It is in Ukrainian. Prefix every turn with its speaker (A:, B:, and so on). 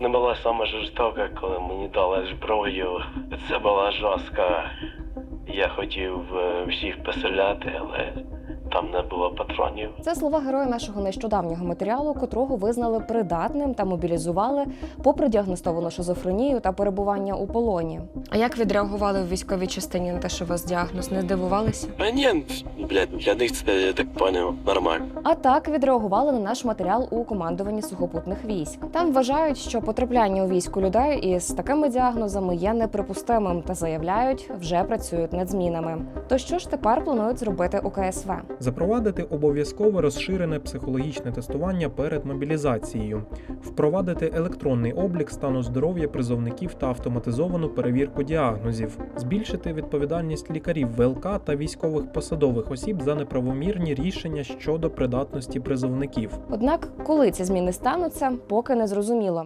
A: не була саме жорстока, коли мені дали зброю. Це була жорстка. Я хотів всіх постріляти, але там не було патронів.
B: Це слова героя нашого нещодавнього матеріалу, котрого визнали придатним та мобілізували попри діагностовану шизофренію та перебування у полоні. А як відреагували в військовій частині на те, що у вас діагноз? Не здивувалися?
A: А ні, блядь, для них це, я так поняв, нормально.
B: А так відреагували на наш матеріал у командуванні сухопутних військ. Там вважають, що потрапляння у війську людей із такими діагнозами є неприпустимим та заявляють, вже працюють над змінами. То що ж тепер планують зробити у КСВ?
C: Запровадити обов'язкове розширене психологічне тестування перед мобілізацією, впровадити електронний облік стану здоров'я призовників та автоматизовану перевірку діагнозів, збільшити відповідальність лікарів ВЛК та військових посадових осіб за неправомірні рішення щодо придатності призовників.
B: Однак, коли ці зміни стануться, поки не зрозуміло.